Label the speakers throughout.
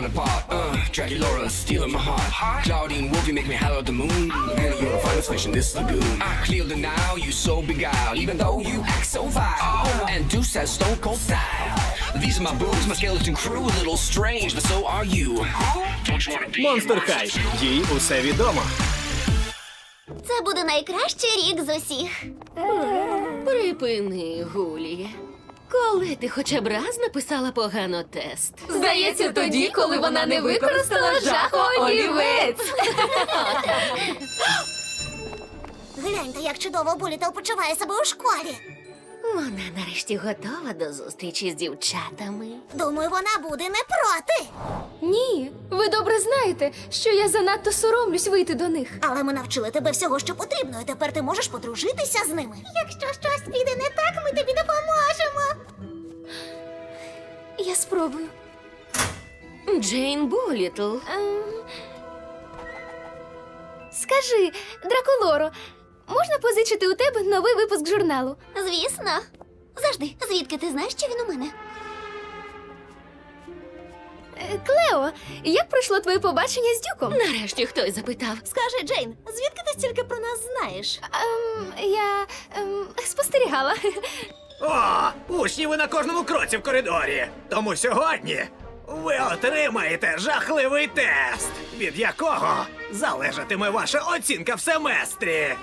Speaker 1: falling apart. Dracula stealing my heart. Claudine Wolf, you make me holler at the moon. And you're a finest fish in this lagoon. Clear the now, you so beguiled, even though you act so vile. And Deuce has stone cold style. These are my boobs, my skeleton crew, a little strange, but so are you. Don't you wanna be
Speaker 2: Монстер Хай. Їй усе відомо.
Speaker 3: Це буде найкращий рік з усіх.
Speaker 4: Припини, Гулія. Коли ти хоча б раз написала погано тест?
Speaker 5: Здається, тоді, коли вона не використала жахоолівець.
Speaker 3: Гляньте, як чудово Булітл почуває себе у школі.
Speaker 4: Вона нарешті готова до зустрічі з дівчатами.
Speaker 3: Думаю, вона буде не проти.
Speaker 5: Ні, ви добре знаєте, що я занадто соромлюсь вийти до них.
Speaker 3: Але ми навчили тебе всього, що потрібно, і тепер ти можеш подружитися з ними. Якщо щось піде не так, ми тобі допоможемо.
Speaker 5: Я спробую.
Speaker 4: Джейн Булітл.
Speaker 5: Скажи, Дракулоро, можна позичити у тебе новий випуск журналу?
Speaker 3: Звісно. Завжди, звідки ти знаєш, що він у мене?
Speaker 5: Клео, як пройшло твоє побачення з Дюком?
Speaker 4: Нарешті хтось запитав.
Speaker 3: Скажи, Джейн, звідки ти стільки про нас знаєш?
Speaker 5: Я спостерігала.
Speaker 2: О, учні ви на кожному кроці в коридорі. Тому сьогодні ви отримаєте жахливий тест, від якого залежатиме ваша оцінка в семестрі.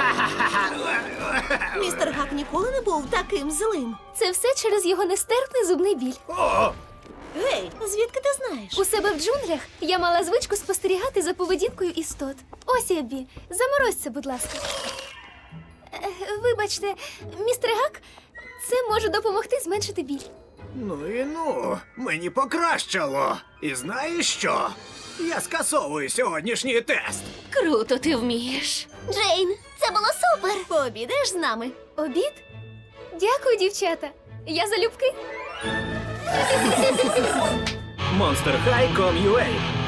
Speaker 3: Містер Гак ніколи не був таким злим.
Speaker 5: Це все через його нестерпний зубний біль.
Speaker 2: О,
Speaker 3: Гей, звідки ти знаєш?
Speaker 5: У себе в джунглях я мала звичку спостерігати за поведінкою істот. Ось, Еббі, заморозь це, будь ласка. Вибачте, містер Гак, це може допомогти зменшити біль.
Speaker 2: ну, мені покращало. І знаєш що? Я скасовую сьогоднішній тест.
Speaker 4: Круто ти вмієш.
Speaker 3: Джейн, це було супер. Пообідаєш з нами?
Speaker 5: Обід? Дякую, дівчата. Я залюбки.
Speaker 2: Monster High.com.ua